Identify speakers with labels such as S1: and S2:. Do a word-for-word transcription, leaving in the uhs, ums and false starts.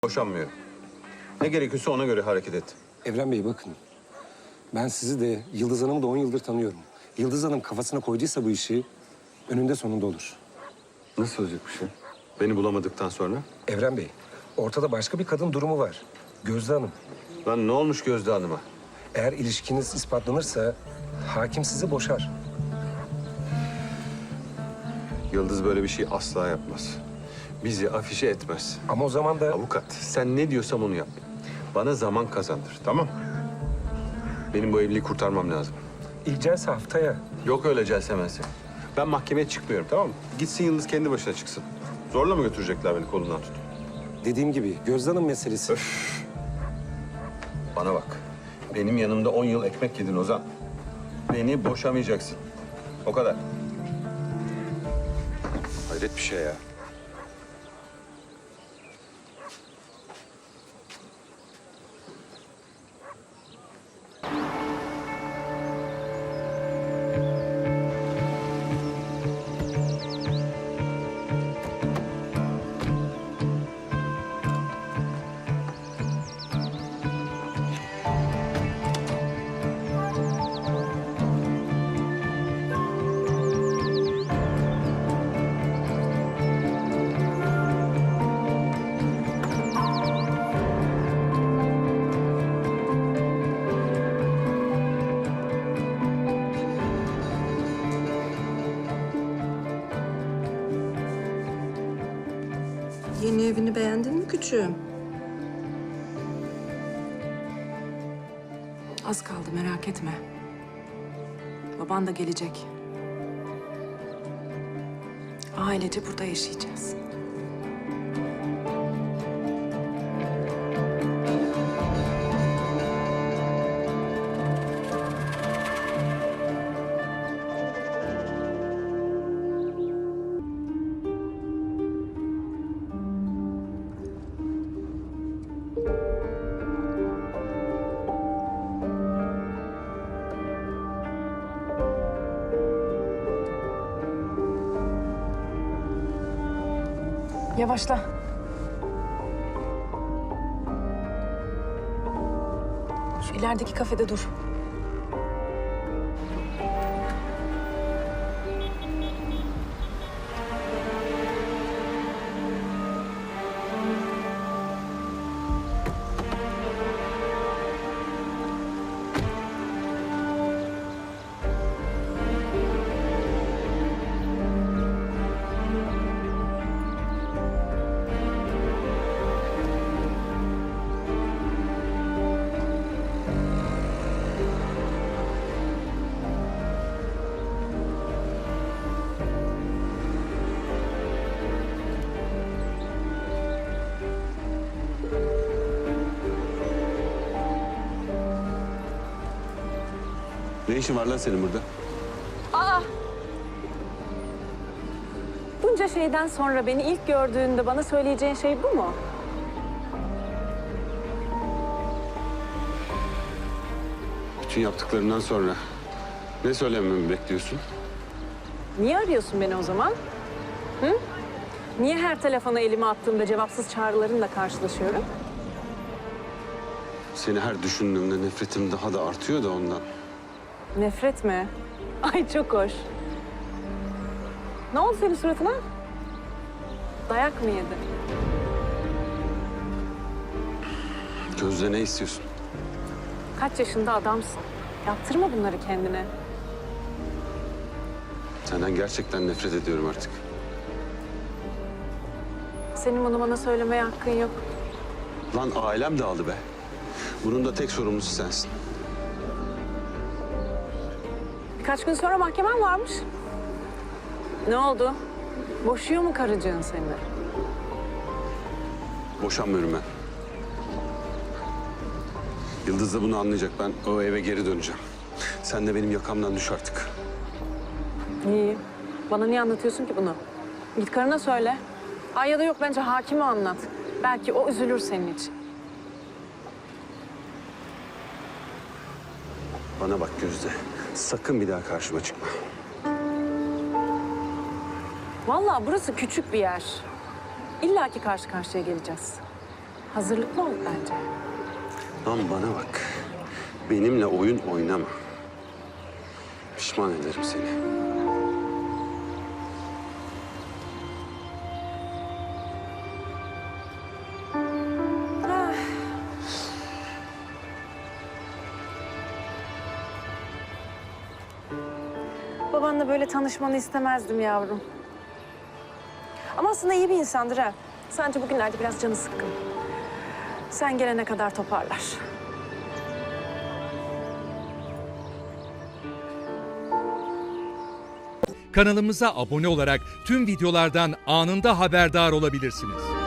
S1: Boşanmıyorum. Ne gerekiyorsa ona göre hareket et.
S2: Evren Bey bakın. Ben sizi de Yıldız Hanım'ı da on yıldır tanıyorum. Yıldız Hanım kafasına koyduysa bu işi önünde sonunda olur.
S1: Nasıl olacak bir şey? Beni bulamadıktan sonra?
S2: Evren Bey, ortada başka bir kadın durumu var. Gözde Hanım.
S1: Lan ne olmuş Gözde Hanım'a?
S2: Eğer ilişkiniz ispatlanırsa hakim sizi boşar.
S1: Yıldız böyle bir şey asla yapmaz. Bizi afişe etmez.
S2: Ama o zaman da
S1: Avukat, sen ne diyorsam onu yap. Bana zaman kazandır, tamam? Benim bu evliliği kurtarmam lazım.
S2: ilk celse haftaya.
S1: Yok öyle celsemense. Ben mahkemeye çıkmıyorum, tamam mı? Gitsin Yıldız kendi başına çıksın. Zorla mı götürecekler beni kolundan tutup?
S2: Dediğim gibi Gözde Hanım meselesi.
S1: Öf. Bana bak. Benim yanımda on yıl ekmek yedin Ozan. Beni boşamayacaksın. O kadar. Hayret bir şey ya.
S3: Yeni evini beğendin mi küçüğüm? Az kaldı, merak etme. Baban da gelecek. Ailece burada yaşayacağız. Yavaşla. Şu ilerideki kafede dur.
S1: Ne işin var lan senin burada?
S4: Aa! Bunca şeyden sonra beni ilk gördüğünde bana söyleyeceğin şey bu mu?
S1: Bütün yaptıklarından sonra ne söylememi bekliyorsun?
S4: Niye arıyorsun beni o zaman? Hı? Niye her telefona elimi attığımda cevapsız çağrılarınla karşılaşıyorum?
S1: Seni her düşündüğümde nefretim daha da artıyor da ondan.
S4: Nefret mi? Ay çok hoş. Ne oldu senin suratına? Dayak mı yedin?
S1: Gözde ne istiyorsun?
S4: Kaç yaşında adamsın? Yaptırma bunları kendine.
S1: Senden gerçekten nefret ediyorum artık.
S4: Senin bunu bana söylemeye hakkın yok.
S1: Lan ailem dağıldı be. Bunun da tek sorumlusu sensin.
S4: Birkaç gün sonra mahkemen varmış. Ne oldu? Boşuyor mu karıcığın seni?
S1: Boşanmıyorum ben. Yıldız da bunu anlayacak. Ben o eve geri döneceğim. Sen de benim yakamdan düş artık.
S4: İyi. Bana niye anlatıyorsun ki bunu? Git karına söyle. Ay ya da yok bence hakime anlat. Belki o üzülür senin için.
S1: Bana bak Gözde. Sakın bir daha karşıma çıkma.
S4: Vallahi burası küçük bir yer. İlla ki karşı karşıya geleceğiz. Hazırlıklı ol bence.
S1: Lan bana bak. Benimle oyun oynama. Pişman ederim seni.
S4: Babanla böyle tanışmanı istemezdim yavrum. Ama aslında iyi bir insandır ha. Sadece bugünlerde biraz canı sıkkın. Sen gelene kadar toparlar.
S5: Kanalımıza abone olarak tüm videolardan anında haberdar olabilirsiniz.